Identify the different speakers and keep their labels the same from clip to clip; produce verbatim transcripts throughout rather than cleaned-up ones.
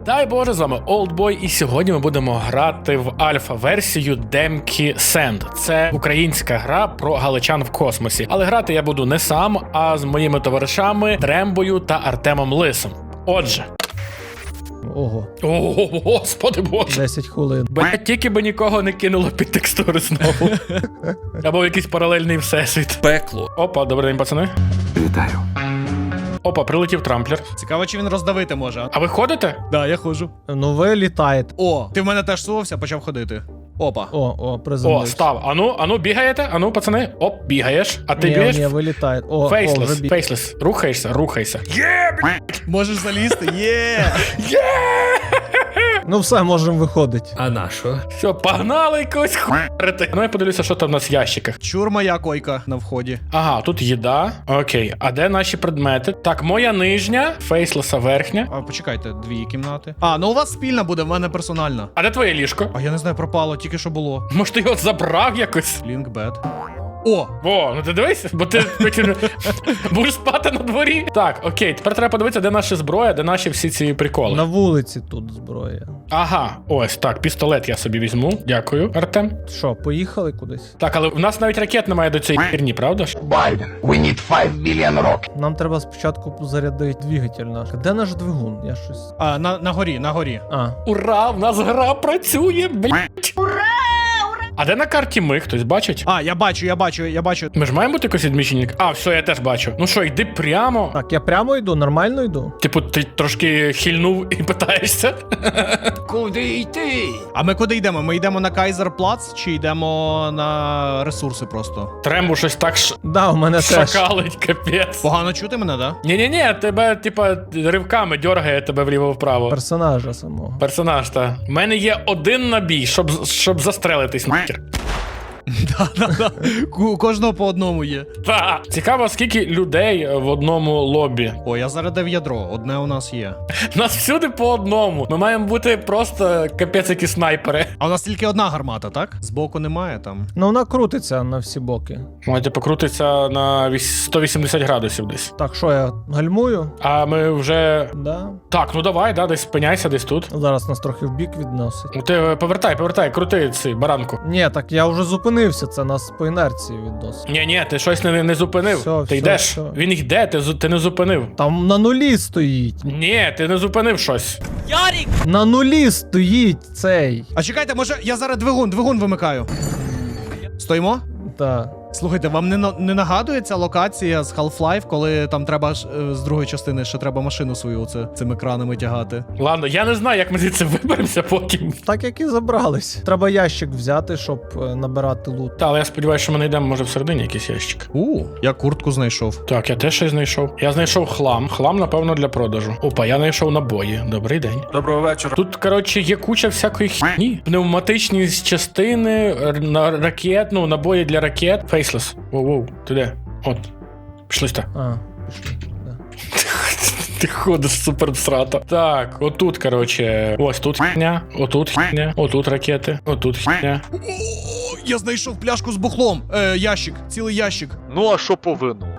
Speaker 1: Дай Боже, з вами Олдбой, і сьогодні ми будемо грати в альфа-версію Демкі Сенд. Це українська гра про галичан в космосі. Але грати я буду не сам, а з моїми товаришами Трембою та Артемом Лисом. Отже.
Speaker 2: Ого.
Speaker 1: О, господи боже.
Speaker 2: десять хвилин.
Speaker 1: Блять, тільки би нікого не кинуло під текстури знову. Або в якийсь паралельний всесвіт.
Speaker 3: Пекло.
Speaker 1: Опа, добрий день, пацани.
Speaker 3: Вітаю.
Speaker 1: Опа, прилетів трамплер.
Speaker 4: Цікаво, чи він роздавити може.
Speaker 1: А ви ходите?
Speaker 4: Да, я ходжу.
Speaker 2: Ну ви літаєте.
Speaker 4: О, ти в мене теж сувався, почав ходити. Опа.
Speaker 2: О, о,
Speaker 1: О,
Speaker 2: приземлився.
Speaker 1: став. Ану, ану, бігаєте? Ану, пацани. Оп, бігаєш. А ти
Speaker 2: Ні,
Speaker 1: бігаєш?
Speaker 2: ні, ви літаєте. О,
Speaker 1: Фейслес,
Speaker 2: о, вже біг.
Speaker 1: фейслес. Рухаєшся, рухайся.
Speaker 4: Можеш залізти? Є!
Speaker 2: Ну все, можемо виходити.
Speaker 3: А на що?
Speaker 1: Все, погнали якось хуярити. Ну я подивлюся, що там у нас в ящиках.
Speaker 4: Чур моя койка на вході.
Speaker 1: Ага, тут їда. Окей, а де наші предмети? Так, моя нижня, фейслеса верхня.
Speaker 4: А, почекайте, дві кімнати. А, ну у вас спільна буде, в мене персональна.
Speaker 1: А де твоє ліжко?
Speaker 4: А я не знаю, пропало, тільки що було.
Speaker 1: Може ти його забрав якось?
Speaker 4: Link bed. О!
Speaker 1: О, ну ти дивись, бо ти потім будеш спати на дворі. Так, окей, тепер треба подивитися, де наша зброя, де наші всі ці приколи.
Speaker 2: На вулиці тут зброя.
Speaker 1: Ага, ось так, пістолет я собі візьму. Дякую, Артем.
Speaker 2: Що, поїхали кудись?
Speaker 1: Так, але в нас навіть ракет немає до цієї херні, правда ж?
Speaker 5: Biden, we need five billion rockets.
Speaker 2: Нам треба спочатку зарядити двигатель наш. Де наш двигун? Я щось.
Speaker 4: А, на, на горі, на горі.
Speaker 2: А,
Speaker 1: Ура, в нас гра працює, блять. Ура! А де на карті ми? Хтось бачить?
Speaker 4: А, я бачу, я бачу, я бачу.
Speaker 1: Ми ж маємо бути якось відмічені? А, все, я теж бачу. Ну що, йди прямо.
Speaker 2: так, я прямо йду, нормально йду.
Speaker 1: Типу, ти трошки хильнув і питаєшся.
Speaker 3: Куди йти?
Speaker 4: А ми куди йдемо? Ми йдемо на Кайзерплац чи йдемо на ресурси просто?
Speaker 1: Трембу щось так ш...
Speaker 2: Да, у мене теж.
Speaker 1: шакалить, капець.
Speaker 4: Погано чути мене, да?
Speaker 1: Ні-ні-ні, тебе, типа, ривками дьоргає тебе вліво-вправо.
Speaker 2: Персонажа самого.
Speaker 1: Персонаж, та. У мене є один набій, щоб, щоб застрелитись нахер.
Speaker 4: Да-да-да. У кожного по одному є.
Speaker 1: Та. Цікаво, скільки людей в одному лобі.
Speaker 4: О, я зарядив ядро, одне у нас є.
Speaker 1: Нас всюди по одному. Ми маємо бути просто капець які снайпери.
Speaker 4: А у нас тільки одна гармата, так? Збоку немає там.
Speaker 2: Ну вона крутиться на всі боки.
Speaker 1: Можете покрутитися на вісь- сто вісімдесят градусів десь.
Speaker 2: Так, що я гальмую?
Speaker 1: А ми вже.
Speaker 2: Да.
Speaker 1: Так, ну давай, да, десь спиняйся, десь тут.
Speaker 2: Зараз нас трохи в бік відносить.
Speaker 1: Ну ти повертай, повертай, крути цей баранку.
Speaker 2: Ні, так я вже зупинився, це нас по інерції відносить.
Speaker 1: Ні, ні, ти щось не, не зупинив.
Speaker 2: Все,
Speaker 1: ти
Speaker 2: все,
Speaker 1: йдеш.
Speaker 2: все.
Speaker 1: Він йде, ти, зу- ти не зупинив.
Speaker 2: Там на нулі стоїть.
Speaker 1: Ні, ти не зупинив щось.
Speaker 2: На нулі стоїть цей.
Speaker 4: А чекайте, може я зараз двигун, двигун вимикаю. Стоїмо?
Speaker 2: Так.
Speaker 4: Слухайте, вам не, на- не нагадує ця локація з Half-Life, коли там треба ж, е, з другої частини ще треба машину свою оце, цими кранами тягати?
Speaker 1: Ладно, я не знаю, як ми звідси виберемося потім.
Speaker 2: Так як і забрались. Треба ящик взяти, щоб е, набирати лут.
Speaker 1: Та, але я сподіваюся, що ми знайдемо, може, всередині якийсь ящик.
Speaker 4: У, я куртку знайшов.
Speaker 1: Так, я теж щось знайшов. Я знайшов хлам. Хлам, напевно, для продажу. Опа, я знайшов набої. Добрий день.
Speaker 3: Доброго вечора.
Speaker 1: Тут, коротше, є куча всякої хні. Пневматичні частини, р- на ракет, ну, набої для ракет. Фейслес. Воу-воу, ти де? От. Пішли сюди.
Speaker 2: А, пішли. Да.
Speaker 1: Ти ходиш супер всрато. Так, отут, коротше, ось тут хня, отут хня, отут ракети, отут хня.
Speaker 4: О, я знайшов пляшку з бухлом. Е, ящик, цілий ящик.
Speaker 6: Ну, а що повинно?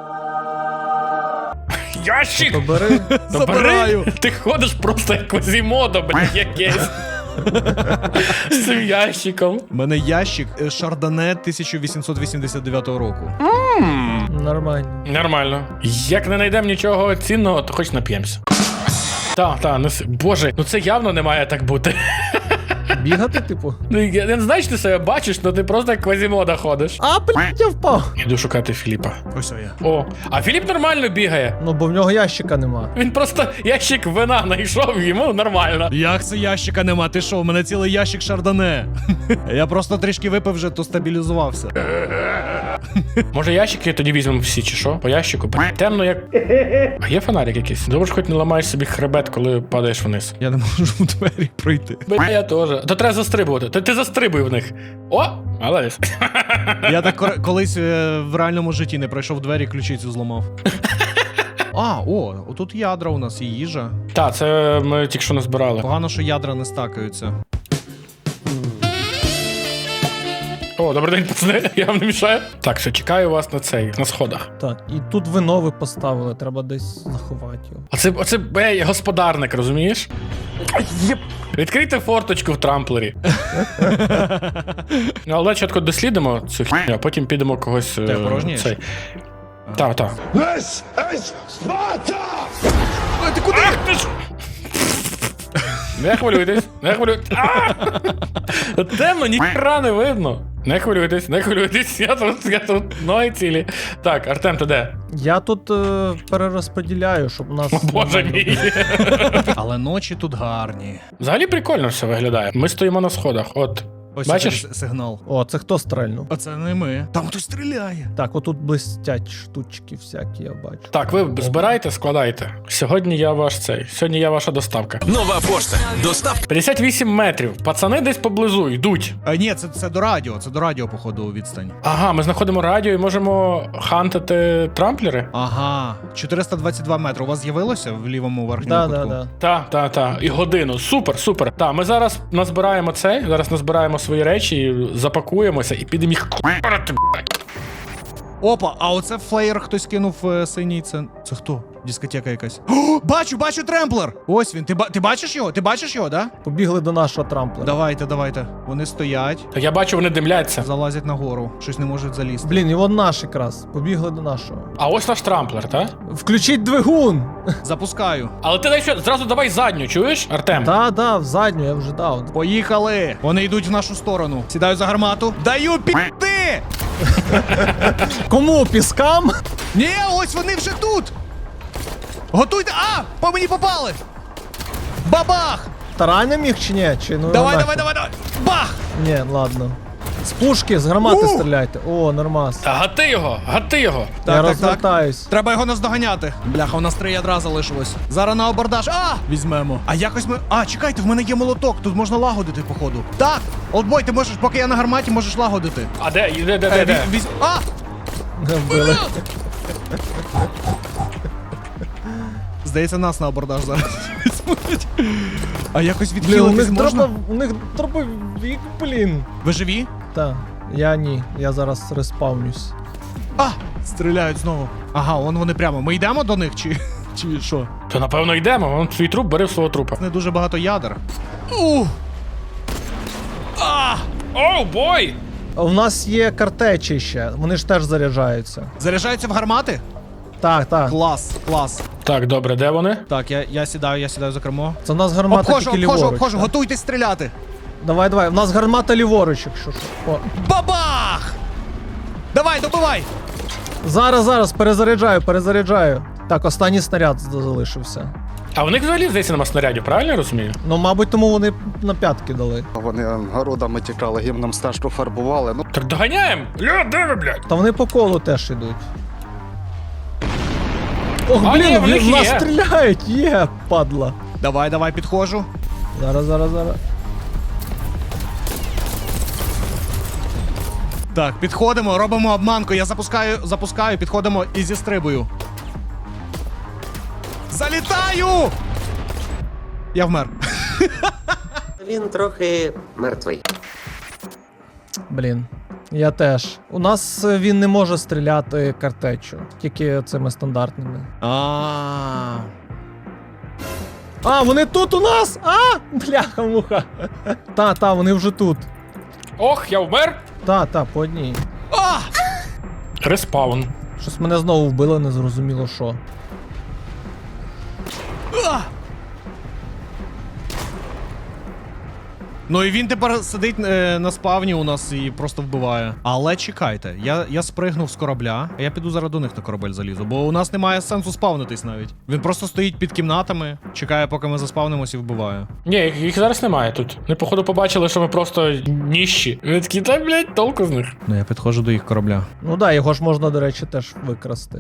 Speaker 1: Ящик!
Speaker 2: Побери.
Speaker 4: Забираю.
Speaker 1: Ти ходиш просто як Квазімодо, блядь, якесь. З цим ящиком.
Speaker 4: У мене ящик е, Шардоне тисяча вісімсот вісімдесят дев'ятого року.
Speaker 2: Нормально.
Speaker 1: Нормально. Як не знайдемо нічого цінного, то хоч нап'ємося. Так, так, неси. Боже, ну це явно не має так бути.
Speaker 2: Бігати, типу.
Speaker 1: Ну, я не знаю, чи ти себе бачиш, але ти просто як Квазімода ходиш.
Speaker 2: А, блядь, я впав.
Speaker 1: Іду шукати Філіпа.
Speaker 4: Ось я.
Speaker 1: О, а Філіп нормально бігає.
Speaker 2: Ну, бо в нього ящика нема.
Speaker 1: Він просто ящик вина знайшов, йому нормально.
Speaker 4: Як це ящика нема? Ти що, у мене цілий ящик Шардоне. Я просто трішки випив вже, то стабілізувався.
Speaker 1: Може ящики тоді візьмемо всі, чи що? По ящику. Бля, темно як. А є фонарик якийсь? Добре, ж хоч не ламаєш собі хребет, коли падаєш вниз.
Speaker 4: Я не можу в двері пройти.
Speaker 1: Бля, я теж. То треба застрибувати. Ти, ти застрибуй в них. О, молодець.
Speaker 4: Я так кор- колись е, в реальному житті не пройшов двері, ключицю зламав. А, о, отут ядра у нас і їжа.
Speaker 1: Так, це ми тільки що назбирали.
Speaker 4: Погано, що ядра не стакаються.
Speaker 1: О, добрий день, пацани, я вам не мішаю. Так, все, чекаю вас на цей, на сходах.
Speaker 2: Так, і тут ви нове поставили, треба десь заховати його.
Speaker 1: Оце, оце бей, господарник, розумієш? Відкрийте форточку в трамплері. Ну, але чітко дослідимо цю хіню, а потім підемо когось. е,
Speaker 4: Ти порожнієш?
Speaker 1: цей. Так, так.
Speaker 5: This is Sparta!
Speaker 4: Ой, ти куди?
Speaker 1: Не хвилюйтесь, не хвилюйтесь. А! Темно, ніхера не видно. Не хвилюйтесь, не хвилюйтесь, я тут, я тут, ноги цілі. Так, Артем, ти де?
Speaker 2: Я тут е, перерозподіляю, щоб у нас.
Speaker 1: О, Боже мій.
Speaker 4: Але ночі тут гарні.
Speaker 1: Взагалі прикольно все виглядає. Ми стоїмо на сходах, от.
Speaker 4: Ось
Speaker 1: Бачиш?
Speaker 4: цей с- сигнал.
Speaker 2: О, це хто стрельнув?
Speaker 4: А це не ми. Там хтось стріляє.
Speaker 2: Так, отут блистять штучки всякі, я бачу.
Speaker 1: Так, ви збирайте, складайте. Сьогодні я ваш цей. Сьогодні я ваша доставка.
Speaker 6: Нова пошта. Доставка.
Speaker 1: п'ятдесят вісім метрів. Пацани десь поблизу йдуть.
Speaker 4: А, ні, це, це до радіо, це до радіо, походу, відстань.
Speaker 1: Ага, ми знаходимо радіо і можемо хантити трамплери.
Speaker 4: Ага, чотириста двадцять два метри. У вас з'явилося в лівому верхньому
Speaker 2: Да,
Speaker 4: кутку?
Speaker 2: да, да.
Speaker 1: Та, та, та. І годину. Супер, супер. Та, ми зараз назбираємо це, зараз назбираємо свої речі, запакуємося і підемо їх к***рати, блядь.
Speaker 4: Опа, а оце флеєр хтось кинув е, синій. Це, це хто? Дискотека якась. О, бачу, бачу тремплер! Ось він. Ти, ба- ти бачиш його? Ти бачиш його, да?
Speaker 2: Побігли до нашого трамплера.
Speaker 4: Давайте, давайте. Вони стоять,
Speaker 1: Та я бачу, вони димляться.
Speaker 4: залазять нагору. Щось не можуть залізти.
Speaker 2: Блін, і вон наш якраз. Побігли до нашого.
Speaker 1: А ось наш трамплер, та?
Speaker 2: Включіть двигун!
Speaker 4: Запускаю.
Speaker 1: Але ти дай що, зразу давай задню, чуєш, Артем?
Speaker 2: Да, да, в задню, я вже дав.
Speaker 4: Поїхали! Вони йдуть в нашу сторону. Сідаю за гармату. Даю піти!
Speaker 2: Кому? Піскам?
Speaker 4: Ні, ось вони вже тут! Готуйте! А! По мені попали! Бабах!
Speaker 2: Таранем їх чи ні? Чи, ну,
Speaker 4: Давай,
Speaker 2: нахер?
Speaker 4: давай, давай, давай! Бах!
Speaker 2: Ні, ладно. З пушки, з гармати
Speaker 4: У!
Speaker 2: стріляйте. О, нормас.
Speaker 1: Та гати його, гати його.
Speaker 2: Я
Speaker 4: Так, так, так.
Speaker 2: розвертаюсь.
Speaker 4: Треба його наздоганяти. Бляха, у нас три ядра залишилось. Зараз на абордаж. А! Візьмемо. А якось ми. А, чекайте, в мене є молоток. Тут можна лагодити, походу. Так! Олдбой, ти можеш, поки я на гарматі, можеш лагодити.
Speaker 1: А де, де, де,
Speaker 4: Е,
Speaker 1: де,
Speaker 4: віз-
Speaker 1: де?
Speaker 4: візь- А!
Speaker 2: Вбили.
Speaker 4: Здається, нас на абордаж зараз візьмуть. А якось
Speaker 2: Блін, у
Speaker 4: відхилитись
Speaker 2: них
Speaker 4: можна?
Speaker 2: треба, у них дробовик, блін.
Speaker 4: Ви живі?
Speaker 2: Так, я ні, я зараз респавнюсь.
Speaker 4: А! Стріляють знову. Ага, вон вони прямо. Ми йдемо до них чи. Чи що?
Speaker 1: То напевно йдемо, вон твій труп, бери в свого трупа.
Speaker 4: Не дуже багато ядер. У! А!
Speaker 1: Оу, бой!
Speaker 2: А у нас є картечі ще, вони ж теж заряджаються.
Speaker 4: Заряджаються в гармати?
Speaker 2: Так, так.
Speaker 4: Клас, клас.
Speaker 1: Так, добре, де вони?
Speaker 4: Так, я, я сідаю, я сідаю за кермо.
Speaker 2: Це у нас гармата
Speaker 4: Обхожу,
Speaker 2: тільки
Speaker 4: обхожу,
Speaker 2: ліворуч.
Speaker 4: обхожу,
Speaker 2: так.
Speaker 4: готуйтесь стріляти.
Speaker 2: Давай, давай, у нас гармата ліворуч, якщо що. О.
Speaker 4: Бабах! Давай, добивай!
Speaker 2: Зараз, зараз, перезаряджаю, перезаряджаю. Так, останній снаряд залишився.
Speaker 1: А в них взагалі, здається, нема снарядів, правильно я розумію?
Speaker 2: Ну, мабуть, тому вони на п'ятки дали.
Speaker 7: Вони городами тікали, гімном стежку фарбували. Ну,
Speaker 1: Так доганяємо! Ля, де ви, блядь?
Speaker 2: Та вони по колу теж ідуть. Ох,
Speaker 1: А,
Speaker 2: блін,
Speaker 1: ні, в них
Speaker 2: в нас
Speaker 1: є.
Speaker 2: стріляють, є, падла.
Speaker 4: Давай, давай, підходжу.
Speaker 2: Зараз, зараз, зараз.
Speaker 4: Так, підходимо, робимо обманку. Я запускаю, запускаю, підходимо і зістрибую. Залітаю! Я вмер.
Speaker 8: Він трохи мертвий.
Speaker 2: Блін. Я теж. У нас е, він не може стріляти картечю, тільки цими стандартними.
Speaker 4: А.
Speaker 2: А, вони тут у нас! А! Бляха-муха. Та, та, вони вже тут.
Speaker 1: Ох, я вмер!
Speaker 2: Та, та, по одній.
Speaker 4: А!
Speaker 1: Респаун.
Speaker 2: Щось мене знову вбило, не зрозуміло що.
Speaker 4: А! Ну і він тепер сидить е, на спавні у нас і просто вбиває. Але чекайте, я, я спригнув з корабля, а я піду зараз до них на корабель залізу, бо у нас немає сенсу спавнитись навіть. Він просто стоїть під кімнатами, чекає, поки ми заспавнимось і вбиває.
Speaker 1: Ні, їх, їх зараз немає тут. Ми, походу, побачили, що ми просто ніщі. Вони такі, та, блядь, толку з них.
Speaker 4: Ну я підходжу до їх корабля.
Speaker 2: Ну да, його ж можна, до речі, теж викрасти.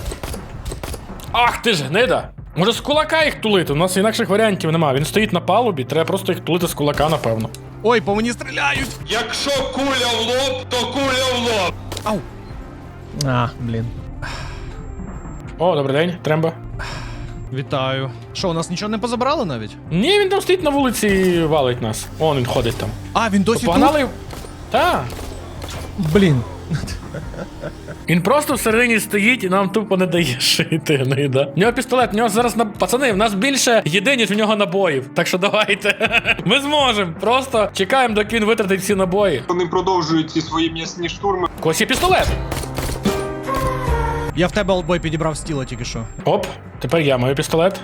Speaker 1: Ах ти ж гнида! Може з кулака їх тулити? У нас інакших варіантів немає. Він стоїть на палубі, треба просто їх тулити з кулака, напевно.
Speaker 4: Ой, по мені стріляють!
Speaker 6: Якщо куля в лоб, то куля в лоб.
Speaker 4: Ау!
Speaker 2: А, блін.
Speaker 1: О, добрий день, Тремба.
Speaker 4: Вітаю. Що, у нас нічого не позабрали навіть?
Speaker 1: Ні, він там стоїть на вулиці і валить нас. Он він ходить там.
Speaker 4: А, він досі тут?
Speaker 1: Погнали. Та.
Speaker 2: Блін.
Speaker 1: Він просто всередині стоїть і нам тупо не дає шити. гнида. В нього пістолет, в нього зараз на пацани, в нас більше їди, ніж в нього набоїв. Так що давайте. Ми зможемо. Просто чекаємо, доки він витратить всі набої.
Speaker 9: Вони продовжують ці свої м'ясні штурми.
Speaker 1: У когось є пістолет.
Speaker 4: Я в тебе, олдбой, підібрав стіла тільки що.
Speaker 1: Оп, тепер я маю пістолет.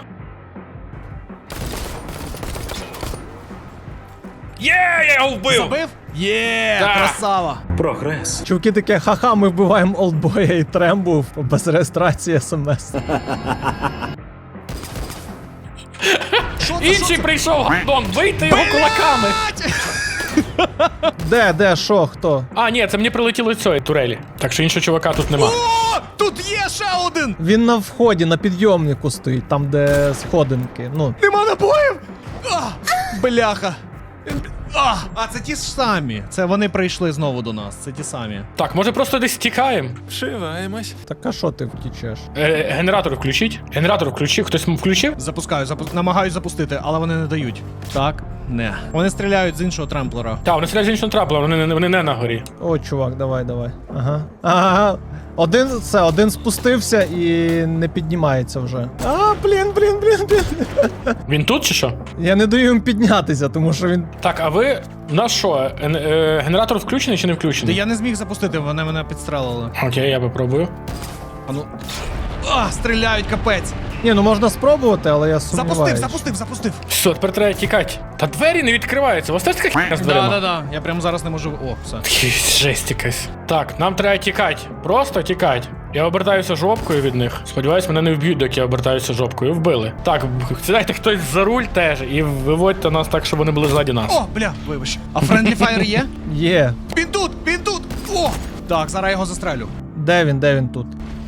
Speaker 1: Є, я його вбив!
Speaker 4: Забив? Є,
Speaker 1: Так.
Speaker 4: красава.
Speaker 2: Чуваки таке, ха-ха, ми вбиваємо олдбоя і трембу без реєстрації смс.
Speaker 4: Що це,
Speaker 1: Інший прийшов, гандон, бийте його кулаками.
Speaker 2: Де, де, що, хто?
Speaker 1: А, ні, це мені прилетіло з цієї турелі. Так що іншого чувака тут нема.
Speaker 4: О, тут є ще один!
Speaker 2: Він на вході, на підйомнику стоїть, там де сходинки. Ну,
Speaker 4: Нема набоїв! А, бляха. А, а це ті ж самі. Це вони прийшли знову до нас. Це ті самі.
Speaker 1: Так, може просто десь тікаємо?
Speaker 6: Вшиваємось.
Speaker 2: так а що ти втічеш?
Speaker 1: Е, генератор включіть. Генератор включив. Хтось включив?
Speaker 4: Запускаю, запу... намагаюсь запустити, але вони не дають. Так, не. Вони стріляють з іншого тремплера.
Speaker 1: Так, вони стріляють з іншого трапла, вони, не- вони не на горі.
Speaker 2: О, чувак, давай, давай. Ага. Ага. Один, це, один спустився і не піднімається вже. А, блін, блін, блін, блін.
Speaker 1: Він тут чи що?
Speaker 2: Я не даю їм піднятися, тому що він.
Speaker 1: Так, а ви у нас що? е, е, генератор включений чи не
Speaker 4: Та
Speaker 1: включений?
Speaker 4: я не зміг запустити, вони мене підстрелили.
Speaker 1: Окей, я попробую.
Speaker 4: А ну. А, стріляють, капець.
Speaker 2: Ні, ну можна спробувати, але я сумніваюся.
Speaker 4: Запустив, запустив, запустив.
Speaker 1: Все, тепер треба тікати. Та двері не відкриваються. У вас теж така хіня з
Speaker 4: Да,
Speaker 1: дверима?
Speaker 4: да, да. Я прямо зараз не можу. О, все.
Speaker 1: Фі, жесть якась. Так, нам треба тікати. Просто тікати. Я обертаюся жопкою від них. Сподіваюсь, мене не вб'ють, доки я обертаюся жопкою. Вбили. Так, сідайте хтось за руль теж і виводьте нас так, щоб вони були ззаді нас.
Speaker 4: О, бля, вибач. А Friendly Fire є?
Speaker 2: Є.
Speaker 4: Він тут, він тут! О! Так, зараз я його застрелю.
Speaker 2: Де він, де він тут?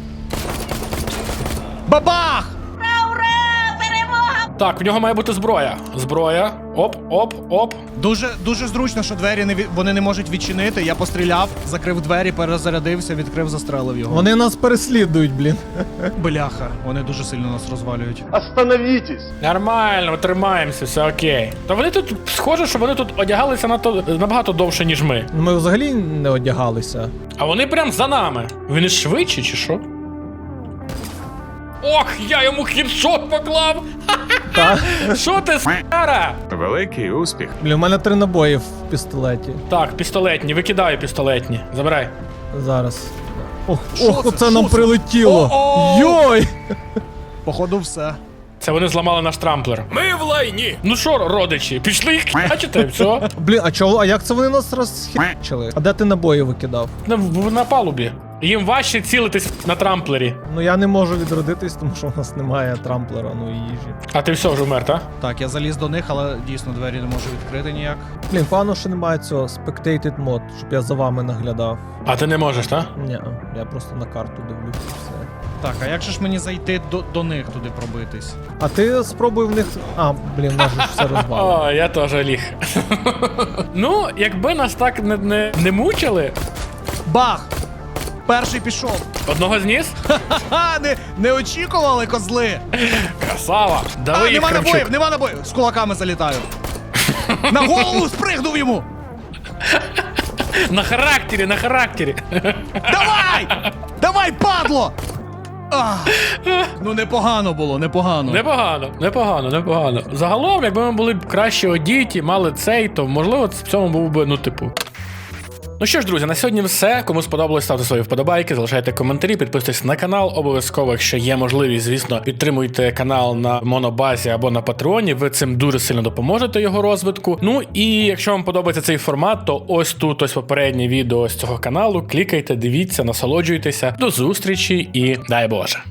Speaker 4: Бабах!
Speaker 1: Так, в нього має бути зброя. Зброя. Оп, оп, оп.
Speaker 4: Дуже, дуже зручно, що двері не ві- вони не можуть відчинити. Я постріляв, закрив двері, перезарядився, відкрив, застрелив його.
Speaker 2: Вони нас переслідують, блін.
Speaker 4: Бляха, вони дуже сильно нас розвалюють.
Speaker 1: Нормально, тримаємося, все окей. Та вони тут, схоже, що вони тут одягалися нато, набагато довше, ніж ми.
Speaker 2: Ну, ми взагалі не одягалися.
Speaker 1: А вони прям за нами. Вони швидші чи що? Ох, я йому хідшот поклав!
Speaker 2: Так.
Speaker 1: Що ти, с***ара?
Speaker 6: Великий успіх.
Speaker 2: Блін, у мене три набої в пістолеті.
Speaker 1: Так, пістолетні, викидаю пістолетні. Забирай.
Speaker 2: Зараз. Ох,
Speaker 4: Що
Speaker 2: ох,
Speaker 4: це?
Speaker 2: оце
Speaker 4: Що
Speaker 2: нам
Speaker 4: це?
Speaker 2: прилетіло.
Speaker 4: О-о!
Speaker 2: Йой!
Speaker 4: Походу, все.
Speaker 1: Це вони зламали наш трамплер.
Speaker 6: Ми в лайні.
Speaker 1: Ну що, родичі, пішли їх бачите, все.
Speaker 2: Блін, а чого? А як це вони нас розхищили? А де ти набої викидав?
Speaker 1: На, в- на палубі. Їм важче цілитись на трамплері.
Speaker 2: Ну я не можу відродитись, тому що в нас немає трамплера, ну і їжі.
Speaker 1: А ти все вже вмер, так?
Speaker 4: Так, я заліз до них, але дійсно двері не можу відкрити ніяк.
Speaker 2: Блін, погано, що немає цього spectated мод, щоб я за вами наглядав.
Speaker 1: А ти не можеш, так?
Speaker 2: Ні, я просто на карту дивлюся і все.
Speaker 4: Так, а як же ж мені зайти до, до них туди пробитись?
Speaker 2: А ти спробуй в них. А, блін, можеш все розвалити.
Speaker 1: О, я теж ліг. Ну, якби нас так не, не, не мучили,
Speaker 4: Бах! Перший пішов.
Speaker 1: одного зніс?
Speaker 4: Ха-ха, не, не очікували, козли!
Speaker 1: Красава!
Speaker 4: А,
Speaker 1: Давай їх,
Speaker 4: нема
Speaker 1: Кравчук.
Speaker 4: набоїв, нема набоїв! З кулаками залітаю. На голову спригнув йому!
Speaker 1: На характері, на характері.
Speaker 4: Давай! Давай, падло! Ах. Ну непогано було, непогано.
Speaker 1: Непогано, непогано, непогано. Загалом, якби ми були б краще одіті, мали цей, то можливо в цьому був би, ну, типу. Ну що ж, друзі, на сьогодні все. Кому сподобалось, ставте свої вподобайки, залишайте коментарі, підписуйтесь на канал. Обов'язково, якщо є можливість, звісно, підтримуйте канал на Монобазі або на Патреоні. Ви цим дуже сильно допоможете його розвитку. Ну і якщо вам подобається цей формат, то ось тут ось попереднє відео з цього каналу. Клікайте, дивіться, насолоджуйтеся. До зустрічі і дай Боже.